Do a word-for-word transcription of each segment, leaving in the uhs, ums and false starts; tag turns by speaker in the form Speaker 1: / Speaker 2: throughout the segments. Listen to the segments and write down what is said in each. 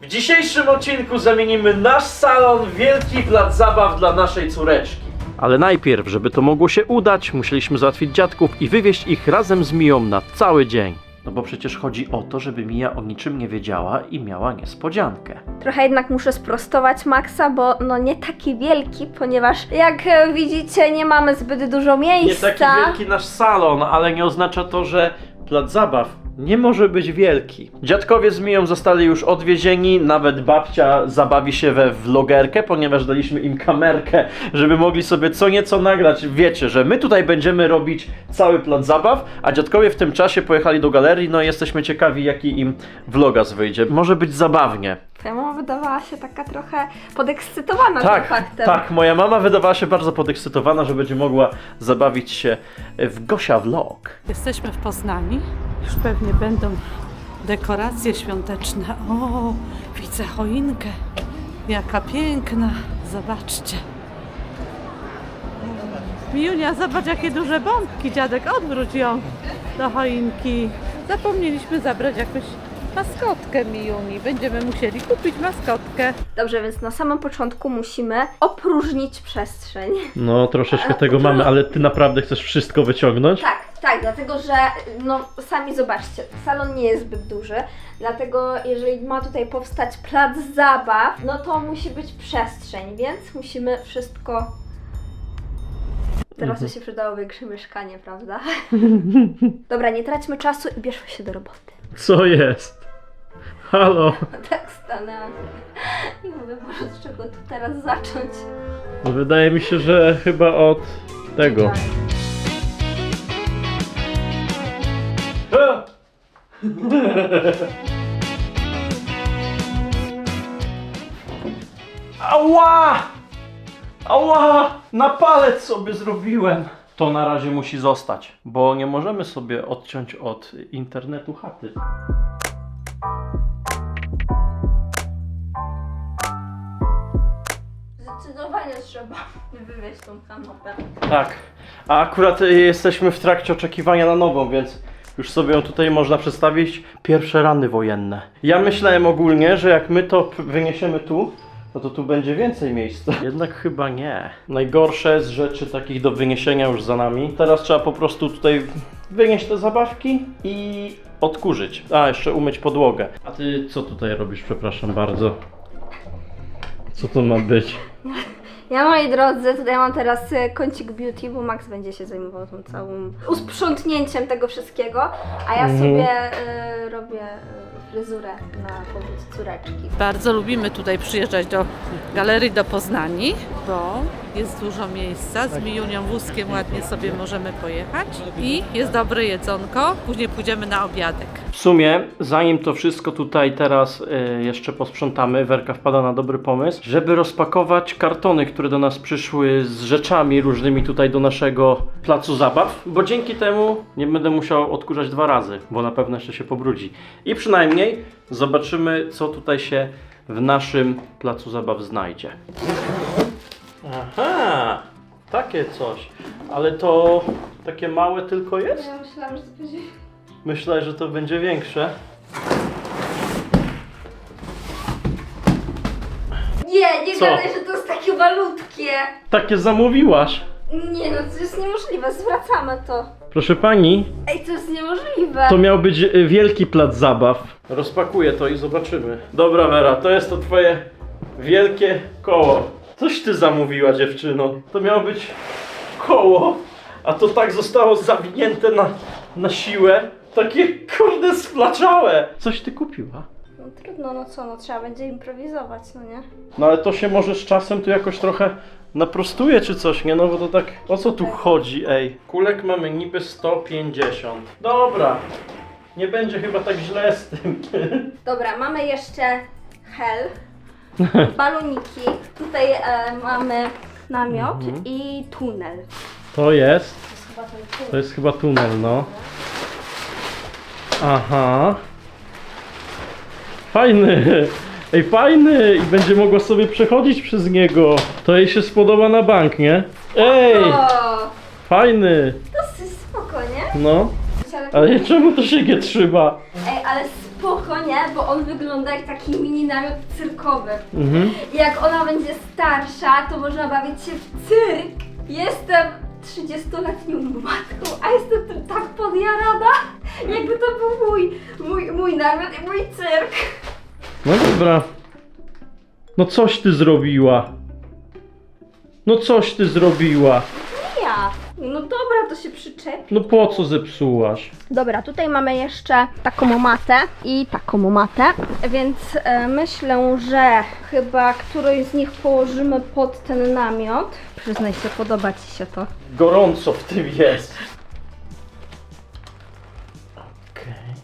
Speaker 1: W dzisiejszym odcinku zamienimy nasz salon w wielki plac zabaw dla naszej córeczki. Ale najpierw, żeby to mogło się udać, musieliśmy załatwić dziadków i wywieźć ich razem z Miją na cały dzień. No bo przecież chodzi o to, żeby Mija o niczym nie wiedziała i miała niespodziankę.
Speaker 2: Trochę jednak muszę sprostować Maxa, bo no nie taki wielki, ponieważ jak e, widzicie nie mamy zbyt dużo
Speaker 1: Nie
Speaker 2: miejsca.
Speaker 1: taki wielki nasz salon, ale nie oznacza to, że plac zabaw nie może być wielki. Dziadkowie z Miją zostali już odwiezieni, nawet babcia zabawi się we vlogerkę, ponieważ daliśmy im kamerkę, żeby mogli sobie co nieco nagrać. Wiecie, że my tutaj będziemy robić cały plac zabaw, a dziadkowie w tym czasie pojechali do galerii, no i jesteśmy ciekawi, jaki im vlogas wyjdzie. Może być zabawnie.
Speaker 2: Twoja mama wydawała się taka trochę podekscytowana
Speaker 1: Tak,
Speaker 2: tym faktem.
Speaker 1: tak, moja mama wydawała się bardzo podekscytowana, że będzie mogła zabawić się w Gosia Vlog.
Speaker 3: Jesteśmy w Poznaniu. Już pewnie będą dekoracje świąteczne. O, widzę choinkę. Jaka piękna. Zobaczcie. Miunia, zobacz jakie duże bombki. Dziadek, odwróć ją do choinki. Zapomnieliśmy zabrać jakąś maskotkę Miuni. Będziemy musieli kupić maskotkę.
Speaker 2: Dobrze, więc na samym początku musimy opróżnić przestrzeń.
Speaker 1: No, troszeczkę tego mamy, ale ty naprawdę chcesz wszystko wyciągnąć?
Speaker 2: Tak, tak, dlatego że no sami zobaczcie, salon nie jest zbyt duży, dlatego jeżeli ma tutaj powstać plac zabaw, no to musi być przestrzeń, więc musimy wszystko... Teraz to się przydało większe mieszkanie, prawda? Dobra, nie traćmy czasu i bierzmy się do roboty.
Speaker 1: Co jest? Halo?
Speaker 2: Tak stanęłam i mówię, Boże, z czego tu teraz zacząć?
Speaker 1: No wydaje mi się, że chyba od tego. Ała! Ała! Na palec sobie zrobiłem! To na razie musi zostać, bo nie możemy sobie odciąć od internetu chaty.
Speaker 2: Zdecydowanie trzeba wywieźć tą kanapę.
Speaker 1: Tak, a akurat y, jesteśmy w trakcie oczekiwania na nową, więc już sobie ją tutaj można przedstawić. Pierwsze rany wojenne. Ja myślałem ogólnie, że jak my to p- wyniesiemy tu, no to tu będzie więcej miejsca. Jednak chyba nie. Najgorsze z rzeczy takich do wyniesienia już za nami. Teraz trzeba po prostu tutaj wynieść te zabawki i odkurzyć. A, jeszcze umyć podłogę. A ty co tutaj robisz, przepraszam bardzo? Co to ma być?
Speaker 2: Ja, moi drodzy, tutaj mam teraz e, kącik beauty, bo Max będzie się zajmował tą całą usprzątnięciem tego wszystkiego, a ja
Speaker 1: Mhm.
Speaker 2: sobie e, robię e, fryzurę na powód córeczki.
Speaker 3: Bardzo lubimy tutaj przyjeżdżać do galerii do Poznani, bo jest dużo miejsca. Z Miunią wózkiem ładnie sobie możemy pojechać i jest dobre jedzonko. Później pójdziemy na obiadek.
Speaker 1: W sumie, zanim to wszystko tutaj teraz y, jeszcze posprzątamy, Werka wpada na dobry pomysł, żeby rozpakować kartony, które do nas przyszły z rzeczami różnymi tutaj do naszego placu zabaw, bo dzięki temu nie będę musiał odkurzać dwa razy, bo na pewno jeszcze się pobrudzi. I przynajmniej zobaczymy, co tutaj się w naszym placu zabaw znajdzie. Aha, takie coś, ale to takie małe tylko jest?
Speaker 2: Ja myślałam, że to będzie...
Speaker 1: Myślę, że to będzie większe.
Speaker 2: Nie, nie
Speaker 1: Co?
Speaker 2: gadaj, że to jest takie malutkie.
Speaker 1: Takie zamówiłaś.
Speaker 2: Nie no, to jest niemożliwe, zwracamy to.
Speaker 1: Proszę pani,
Speaker 2: Ej, to jest niemożliwe.
Speaker 1: to miał być y, wielki plac zabaw. Rozpakuję to i zobaczymy. Dobra Wera, to jest to twoje wielkie koło. Coś ty zamówiła, dziewczyno. To miało być koło, a to tak zostało zawinięte na, na siłę. Takie kurde splaczałe. Coś ty kupiła?
Speaker 2: No trudno, no co, no trzeba będzie improwizować, no nie?
Speaker 1: No ale to się może z czasem tu jakoś trochę naprostuje czy coś, nie? No bo to tak, o co tu chodzi, ej? Kulek mamy niby sto pięćdziesiąt. Dobra, nie będzie chyba tak źle z tym.
Speaker 2: Dobra, mamy jeszcze hel, baloniki, tutaj e, mamy namiot
Speaker 1: Mhm.
Speaker 2: i tunel.
Speaker 1: To jest,
Speaker 2: To jest chyba ten tunel.
Speaker 1: to jest chyba tunel, no. Aha. Fajny. Ej, fajny! I będzie mogła sobie przechodzić przez niego. To jej się spodoba na bank, nie? Ej!
Speaker 2: O,
Speaker 1: Fajny!
Speaker 2: dosyć spoko, nie?
Speaker 1: No.
Speaker 2: Ale,
Speaker 1: Ale czemu to się nie trzyma?
Speaker 2: ej, ale spoko, nie? Bo on wygląda jak taki mini namiot cyrkowy.
Speaker 1: Mhm.
Speaker 2: I jak ona będzie starsza, to można bawić się w cyrk. Jestem trzydziestoletnią matką, a jestem tym tak podjarana, jakby to był mój, mój, mój namiot i mój cyrk.
Speaker 1: No dobra. No coś ty zrobiła. No coś ty zrobiła.
Speaker 2: Ja. No dobra, to się przyczepi.
Speaker 1: No po co zepsułaś?
Speaker 2: Dobra, tutaj mamy jeszcze taką matę i taką matę, więc e, myślę, że chyba którąś z nich położymy pod ten namiot. Przyznaj się, podoba Ci się to.
Speaker 1: Gorąco w tym jest. Okej.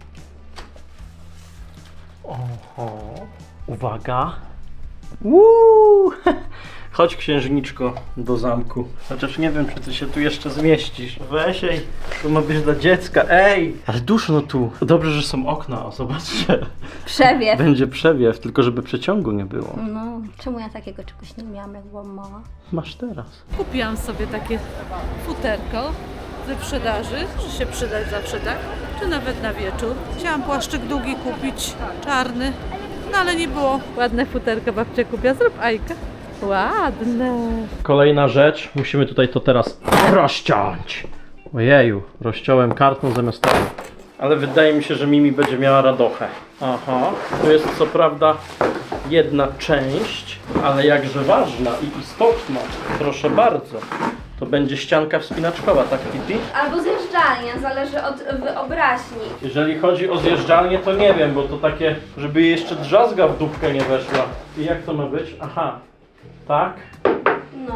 Speaker 1: Oho. Uwaga. Uuu. Chodź, księżniczko, do zamku. Chociaż nie wiem, czy ty się tu jeszcze zmieścisz. Weź, ej, to ma być dla dziecka. Ej! Ale duszno tu. Dobrze, że są okna, o, zobaczcie.
Speaker 2: Przewiew.
Speaker 1: Będzie przewiew, tylko żeby przeciągu nie było.
Speaker 2: No, czemu ja takiego czegoś nie miałam, jak byłam mała?
Speaker 1: Masz teraz.
Speaker 3: Kupiłam sobie takie futerko ze sprzedaży, czy się przydać zawsze tak, czy nawet na wieczór. Chciałam płaszczyk długi kupić, czarny, no ale nie było. Ładne futerko babcia kupiła, zrób Ajka. Ładne.
Speaker 1: Kolejna rzecz, musimy tutaj to teraz rozciąć. Ojeju, rozciąłem kartą zamiast tego. Ale wydaje mi się, że Mimi będzie miała radochę. Aha, to jest co prawda jedna część, ale jakże ważna i istotna. Proszę bardzo. To będzie ścianka wspinaczkowa, tak Kitty?
Speaker 2: Albo zjeżdżalnia, zależy od wyobraźni.
Speaker 1: Jeżeli chodzi o zjeżdżalnię, to nie wiem, bo to takie, żeby jej jeszcze drzazga w dupkę nie weszła. I jak to ma być? Aha, tak?
Speaker 2: No.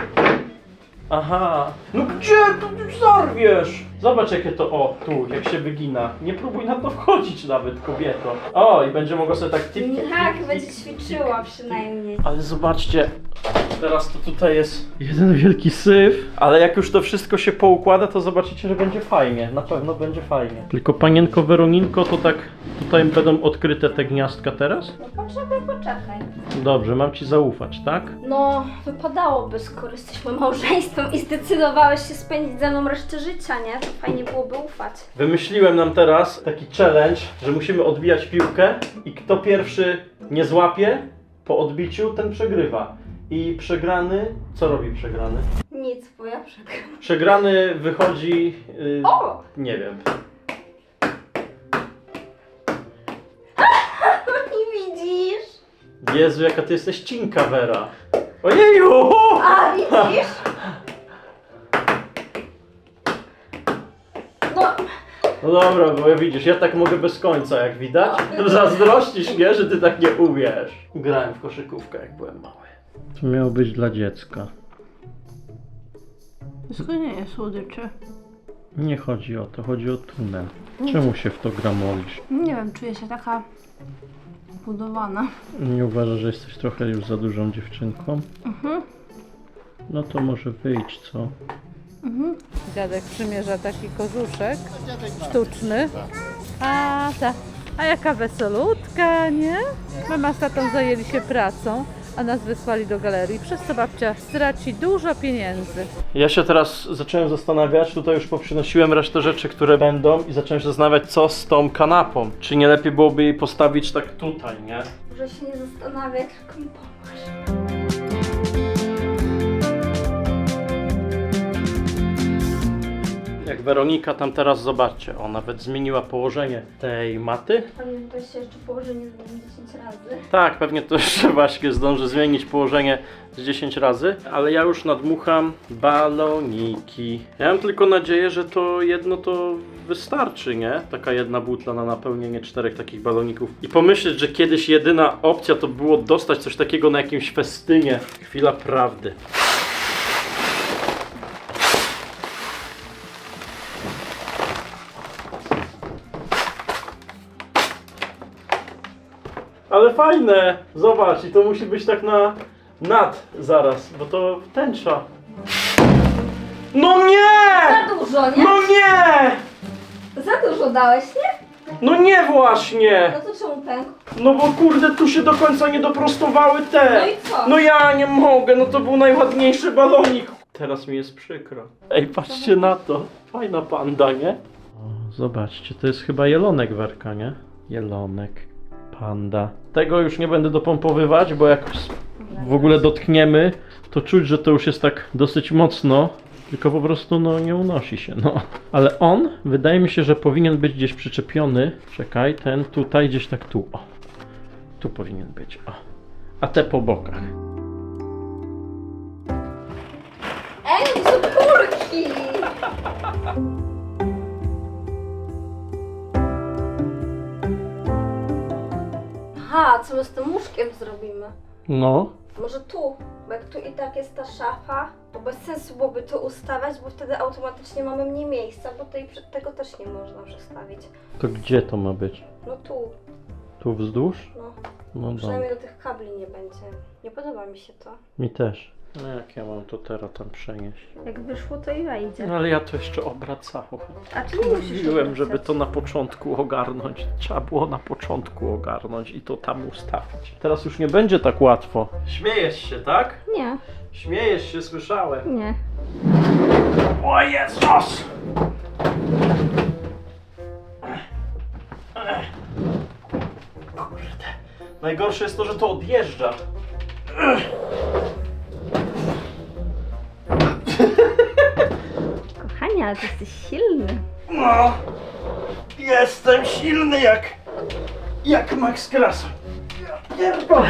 Speaker 1: Aha, no gdzie? Tu tu zarwiesz! Zobacz jakie to, o, tu, jak się wygina. Nie próbuj na to wchodzić nawet, kobieto. O, i będzie mogła sobie tak tip, tip, tip,
Speaker 2: Tak,
Speaker 1: tip,
Speaker 2: będzie
Speaker 1: tip.
Speaker 2: ćwiczyła przynajmniej.
Speaker 1: Ale zobaczcie, teraz to tutaj jest jeden wielki syf, ale jak już to wszystko się poukłada, to zobaczycie, że będzie fajnie, na pewno będzie fajnie. Tylko panienko Weroninko, to tak tutaj będą odkryte te gniazdka teraz?
Speaker 2: No poczekaj, poczekaj.
Speaker 1: Dobrze, mam ci zaufać, tak?
Speaker 2: No, wypadałoby, skoro jesteśmy małżeństwem i zdecydowałeś się spędzić ze mną resztę życia, nie? To fajnie byłoby ufać.
Speaker 1: Wymyśliłem nam teraz taki challenge, że musimy odbijać piłkę i kto pierwszy nie złapie po odbiciu, ten przegrywa. I przegrany, co robi przegrany?
Speaker 2: Nic, bo ja przegram.
Speaker 1: Przegrany wychodzi, yy,
Speaker 2: O!
Speaker 1: nie wiem.
Speaker 2: Nie widzisz?
Speaker 1: Jezu, jaka ty jesteś cinka, Wera. Ojeju!
Speaker 2: A, widzisz? No,
Speaker 1: No dobra, bo widzisz, ja tak mogę bez końca, jak widać. Zazdrościsz mnie, że ty tak nie umiesz. Grałem w koszykówkę, jak byłem mały. To miało być dla dziecka.
Speaker 2: to nie jest słodycze.
Speaker 1: Nie chodzi o to, chodzi o tunel. Czemu się w to gramolisz?
Speaker 2: Nie wiem, czuję się taka budowana.
Speaker 1: Nie uważasz, że jesteś trochę już za dużą dziewczynką?
Speaker 2: Mhm.
Speaker 1: No to może wyjdź, co?
Speaker 2: Mhm.
Speaker 3: Dziadek przymierza taki kożuszek sztuczny. A ta, a jaka wesolutka, nie? Mama z tatą zajęli się pracą, a nas wysłali do galerii, przez co babcia straci dużo pieniędzy.
Speaker 1: Ja się teraz zacząłem zastanawiać, tutaj już poprzynosiłem resztę rzeczy, które będą i zacząłem się zastanawiać, co z tą kanapą. Czy nie lepiej byłoby jej postawić tak tutaj, nie?
Speaker 2: Może się nie zastanawiać, tylko mi pomóż.
Speaker 1: Jak Weronika tam teraz, zobaczcie, o, nawet zmieniła położenie tej maty.
Speaker 2: Pamiętasz się jeszcze położenie zmienić dziesięć razy?
Speaker 1: Tak, pewnie to jeszcze właśnie zdąży zmienić położenie z dziesięć razy, ale ja już nadmucham baloniki. Ja mam tylko nadzieję, że to jedno to wystarczy, nie? Taka jedna butla na napełnienie czterech takich baloników. I pomyśleć, że kiedyś jedyna opcja to było dostać coś takiego na jakimś festynie. Chwila prawdy. Ale fajne! Zobacz, i to musi być tak na nad zaraz, bo to tęcza. No nie!
Speaker 2: Za dużo, nie?
Speaker 1: No nie!
Speaker 2: Za dużo dałeś, nie?
Speaker 1: No nie właśnie!
Speaker 2: No to czemu pękł?
Speaker 1: No bo kurde, tu się do końca nie doprostowały te.
Speaker 2: No i co?
Speaker 1: No ja nie mogę, no to był najładniejszy balonik. Teraz mi jest przykro. Ej, patrzcie na to. Fajna panda, nie? O, zobaczcie, to jest chyba jelonek, Werka, nie? Jelonek, panda. Tego już nie będę dopompowywać, bo jak w ogóle dotkniemy, to czuć, że to już jest tak dosyć mocno, tylko po prostu no nie unosi się, no. Ale on, wydaje mi się, że powinien być gdzieś przyczepiony. Czekaj, ten tutaj, gdzieś tak tu, o. Tu powinien być, o. A te po bokach.
Speaker 2: Ej, to są kurki! Aha, co my z tym łóżkiem zrobimy?
Speaker 1: No.
Speaker 2: Może tu, bo jak tu i tak jest ta szafa, to bez sensu byłoby to ustawiać, bo wtedy automatycznie mamy mniej miejsca, bo tej, tego też nie można przestawić.
Speaker 1: To gdzie to ma być?
Speaker 2: No tu,
Speaker 1: Tu wzdłuż?
Speaker 2: no.
Speaker 1: No dobra.
Speaker 2: Przynajmniej do tych kabli nie będzie. Nie podoba mi się to.
Speaker 1: Mi też. No jak ja mam to teraz tam przenieść?
Speaker 2: Jak wyszło, to i wejdzie.
Speaker 1: No ale ja to jeszcze obracałem.
Speaker 2: A czy nie musisz
Speaker 1: Mówiłem,
Speaker 2: obracać?
Speaker 1: żeby to na początku ogarnąć. Trzeba było na początku ogarnąć i to tam ustawić. Teraz już nie będzie tak łatwo. Śmiejesz się, tak?
Speaker 2: Nie,
Speaker 1: Śmiejesz się, słyszałem.
Speaker 2: nie.
Speaker 1: O Jezus! Kurde. Najgorsze jest to, że to odjeżdża.
Speaker 2: Kochanie, ale ty jesteś silny.
Speaker 1: No, jestem silny jak, jak Max Krasa. Ja pierdolę.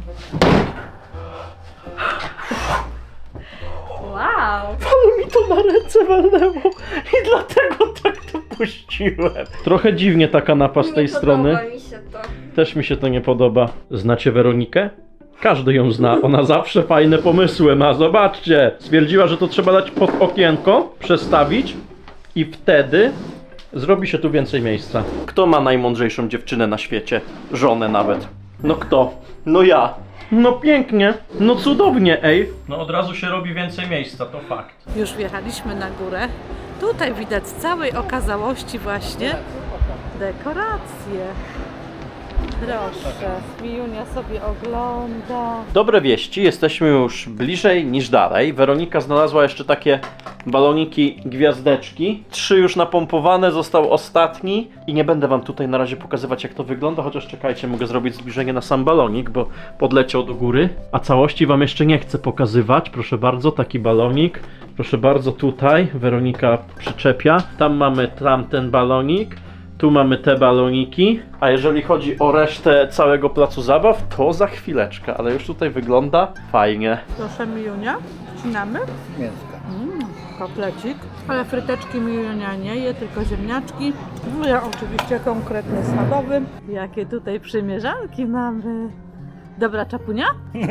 Speaker 2: Wow.
Speaker 1: Ale mi to na ręce walnęło i dlatego tak to puściłem. Trochę dziwnie ta kanapa z tej
Speaker 2: nie
Speaker 1: strony.
Speaker 2: podoba mi się to.
Speaker 1: Też mi się to nie podoba. Znacie Weronikę? Każdy ją zna, ona zawsze fajne pomysły ma, zobaczcie. Stwierdziła, że to trzeba dać pod okienko, przestawić i wtedy zrobi się tu więcej miejsca. Kto ma najmądrzejszą dziewczynę na świecie? Żonę nawet. No kto? No ja. No pięknie, no cudownie, ej. No od razu się robi więcej miejsca, to fakt.
Speaker 3: Już wjechaliśmy na górę. Tutaj widać z całej okazałości właśnie dekoracje. Proszę, Mijunia sobie ogląda.
Speaker 1: Dobre wieści, jesteśmy już bliżej niż dalej. Weronika znalazła jeszcze takie baloniki gwiazdeczki. Trzy już napompowane, został ostatni. I nie będę wam tutaj na razie pokazywać, jak to wygląda, chociaż czekajcie, mogę zrobić zbliżenie na sam balonik, bo podleciał do góry. A całości wam jeszcze nie chcę pokazywać. Proszę bardzo, taki balonik. Proszę bardzo, tutaj Weronika przyczepia. Tam mamy tamten balonik. Tu mamy te baloniki, a jeżeli chodzi o resztę całego placu zabaw, to za chwileczkę, ale już tutaj wygląda fajnie.
Speaker 3: Proszę Mijunia, wcinamy.
Speaker 4: Mięska.
Speaker 3: Mm, kotlecik. Ale fryteczki Mijunia nie je, tylko ziemniaczki. No ja oczywiście konkretnie schabowy. Jakie tutaj przymierzanki mamy. Dobra czapunia?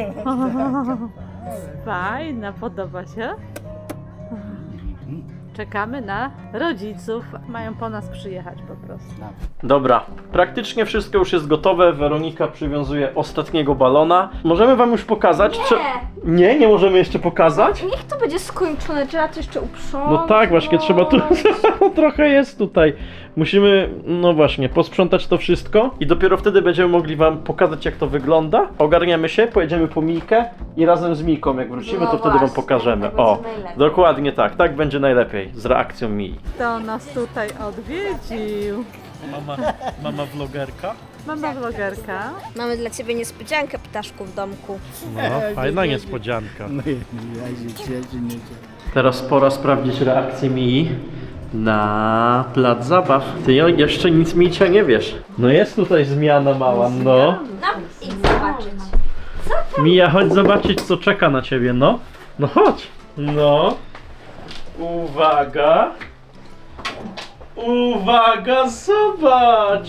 Speaker 3: Fajna, podoba się. Czekamy na rodziców. Mają po nas przyjechać po prostu.
Speaker 1: Dobra, praktycznie wszystko już jest gotowe. Weronika przywiązuje ostatniego balona. Możemy wam już pokazać?
Speaker 2: Nie.
Speaker 1: Czy... Nie, nie możemy jeszcze pokazać?
Speaker 2: Niech to będzie skończone, trzeba to jeszcze uprzątnąć.
Speaker 1: No tak, właśnie, trzeba tu... trochę jest tutaj. Musimy, no właśnie, posprzątać to wszystko i dopiero wtedy będziemy mogli wam pokazać, jak to wygląda. Ogarniemy się, pojedziemy po Mikę i razem z Miką, jak wrócimy,
Speaker 2: No
Speaker 1: to wtedy wam
Speaker 2: właśnie,
Speaker 1: pokażemy.
Speaker 2: tak
Speaker 1: O,
Speaker 2: będzie najlepiej.
Speaker 1: dokładnie tak, tak będzie najlepiej, z reakcją Mii.
Speaker 3: Kto nas tutaj odwiedził?
Speaker 1: Mama, mama vlogerka?
Speaker 3: Mama vlogerka.
Speaker 2: Mamy dla ciebie niespodziankę, ptaszku, w domku.
Speaker 1: No, fajna niespodzianka.
Speaker 4: No i ja się cieszę, nie cieszę.
Speaker 1: Teraz pora sprawdzić reakcję Mii na plac zabaw. Ty jeszcze nic, Micia, nie wiesz. No jest tutaj zmiana mała, no.
Speaker 2: No, idź zobaczyć.
Speaker 1: Mija, chodź zobaczyć, co czeka na ciebie, no. No chodź. No. Uwaga. Uwaga, zobacz.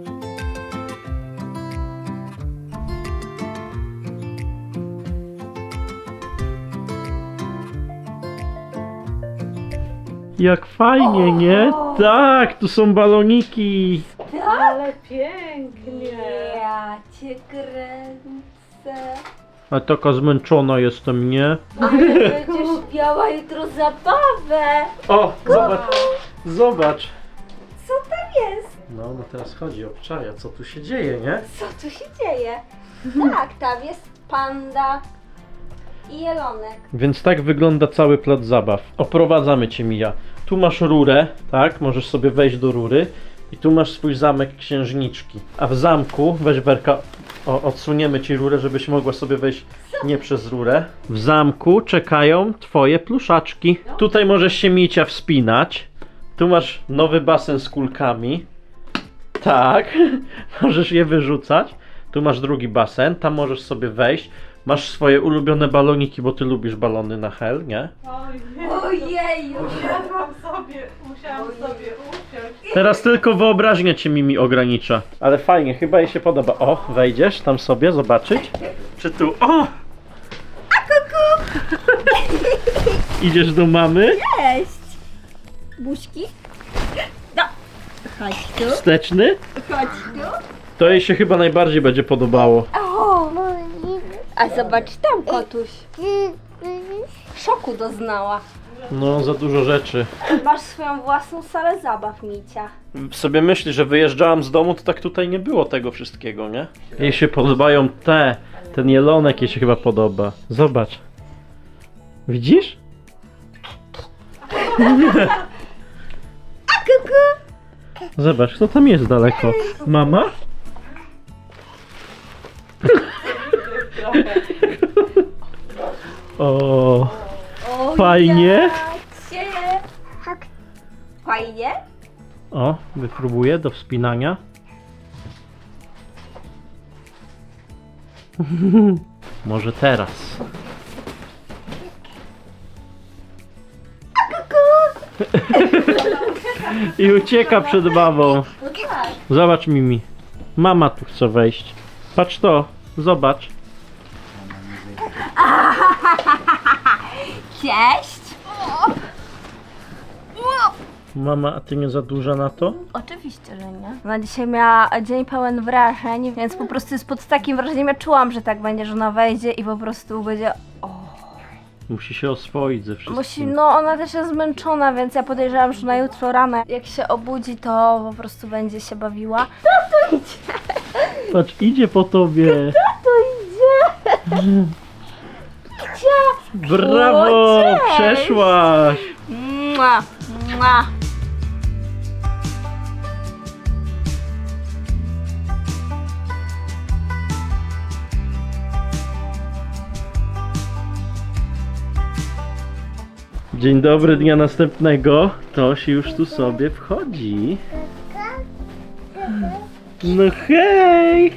Speaker 1: Jak fajnie, nie? Tak, tu są baloniki.
Speaker 3: Ale pięknie.
Speaker 2: Ja cię kręcę.
Speaker 1: A taka zmęczona jestem, nie?
Speaker 2: Ale będziesz miała jutro zabawę.
Speaker 1: O, zobacz, zobacz.
Speaker 2: Co tam jest?
Speaker 1: No, no teraz chodzi o obczaja, co tu się dzieje, nie?
Speaker 2: Co tu się dzieje? Tak, tam jest panda i jelonek.
Speaker 1: Więc tak wygląda cały plac zabaw. Oprowadzamy cię, Mija. Tu masz rurę, tak? Możesz sobie wejść do rury I tu masz swój zamek księżniczki. A w zamku, weź Werka, o, odsuniemy ci rurę, żebyś mogła sobie wejść nie przez rurę. W zamku czekają twoje pluszaczki. Tutaj możesz się Micia wspinać. Tu masz nowy basen z kulkami. Tak, możesz je wyrzucać. Tu masz drugi basen, tam możesz sobie wejść. Masz swoje ulubione baloniki, bo ty lubisz balony na hel, nie?
Speaker 2: Ojeju!
Speaker 3: Musiałam sobie, musiałam sobie usiąść.
Speaker 1: Teraz tylko wyobraźnia cię Mimi ogranicza. Ale fajnie, chyba jej się podoba. O, wejdziesz tam sobie zobaczyć? Czy tu? O! A kuku! Idziesz do mamy?
Speaker 2: Cześć! Buźki? No! Chodź tu,
Speaker 1: Wsteczny?
Speaker 2: chodź tu.
Speaker 1: To jej się chyba najbardziej będzie podobało.
Speaker 2: O! A zobacz tam, kotuś. Szoku doznała.
Speaker 1: No, za dużo rzeczy.
Speaker 2: Masz swoją własną salę zabaw, Micia.
Speaker 1: Sobie myśli, że wyjeżdżałam z domu, to tak tutaj nie było tego wszystkiego, nie? Jej się podobają te. Ten jelonek jej się chyba podoba. Zobacz. Widzisz?
Speaker 2: A kuku!
Speaker 1: Zobacz, kto tam jest daleko? Mama? O,
Speaker 2: O,
Speaker 1: fajnie.
Speaker 2: jacie. Fajnie?
Speaker 1: O, wypróbuję do wspinania. Może teraz. I ucieka przed mamą. Zobacz Mimi. Mama tu chce wejść. Patrz to, zobacz.
Speaker 2: Cześć!
Speaker 1: Mama, a ty nie za duża na to?
Speaker 2: Oczywiście, że nie. Ona dzisiaj miała dzień pełen wrażeń, więc po prostu jest pod takim wrażeniem, ja czułam, że tak będzie, że ona wejdzie i po prostu będzie...
Speaker 1: Musi się oswoić ze wszystkim.
Speaker 2: Musi, no ona też jest zmęczona, więc ja podejrzewam, że na jutro rano, jak się obudzi, to po prostu będzie się bawiła.
Speaker 1: Patrz, idzie po tobie.
Speaker 2: To idzie! Gdzie?
Speaker 1: Brawo!
Speaker 2: O, cześć!
Speaker 1: Przeszłaś!
Speaker 2: Mua, mua.
Speaker 1: Dzień dobry, dnia następnego. Toś już tu sobie wchodzi. No hej!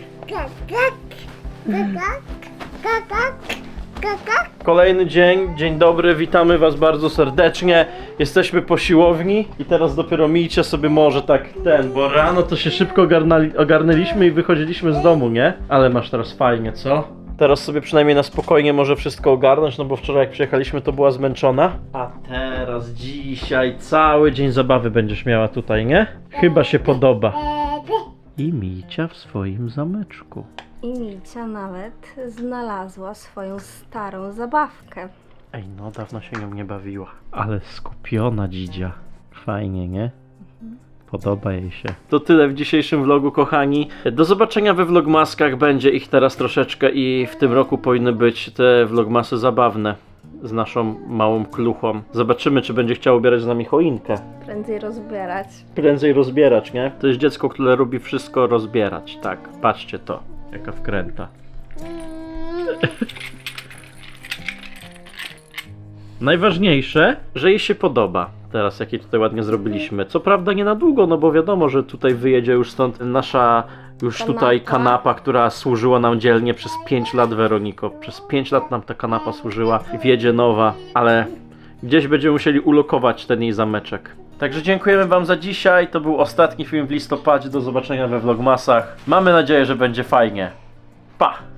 Speaker 1: Kolejny dzień, dzień dobry, witamy was bardzo serdecznie. Jesteśmy po siłowni i teraz dopiero mijcie sobie może tak ten, bo rano to się szybko ogarnali, ogarnęliśmy i wychodziliśmy z domu, nie? Ale masz teraz fajnie, co? Teraz sobie przynajmniej na spokojnie może wszystko ogarnąć, no bo wczoraj jak przyjechaliśmy to była zmęczona. A teraz, dzisiaj cały dzień zabawy będziesz miała tutaj, nie? Chyba się podoba. I Micia w swoim zameczku.
Speaker 2: I Micia nawet znalazła swoją starą zabawkę.
Speaker 1: Ej, no dawno się nią nie bawiła. Ale skupiona dzidzia. Fajnie, nie? Podoba jej się. To tyle w dzisiejszym vlogu, kochani. Do zobaczenia we vlogmaskach. Będzie ich teraz troszeczkę i w tym roku powinny być te vlogmasy zabawne. Z naszą małą kluchą. Zobaczymy, czy będzie chciała ubierać z nami choinkę.
Speaker 2: Prędzej rozbierać.
Speaker 1: Prędzej rozbierać, nie? To jest dziecko, które lubi wszystko rozbierać. Tak, patrzcie to. Jaka wkręta. Najważniejsze, że jej się podoba. Teraz jakie tutaj ładnie zrobiliśmy. Co prawda nie na długo, no bo wiadomo, że tutaj wyjedzie już stąd nasza już
Speaker 2: Kanapa.
Speaker 1: tutaj kanapa, która służyła nam dzielnie przez pięć lat, Weroniko. Przez pięć lat nam ta kanapa służyła i wjedzie nowa, ale gdzieś będziemy musieli ulokować ten jej zameczek. Także dziękujemy wam za dzisiaj. To był ostatni film w listopadzie. Do zobaczenia we vlogmasach. Mamy nadzieję, że będzie fajnie. Pa!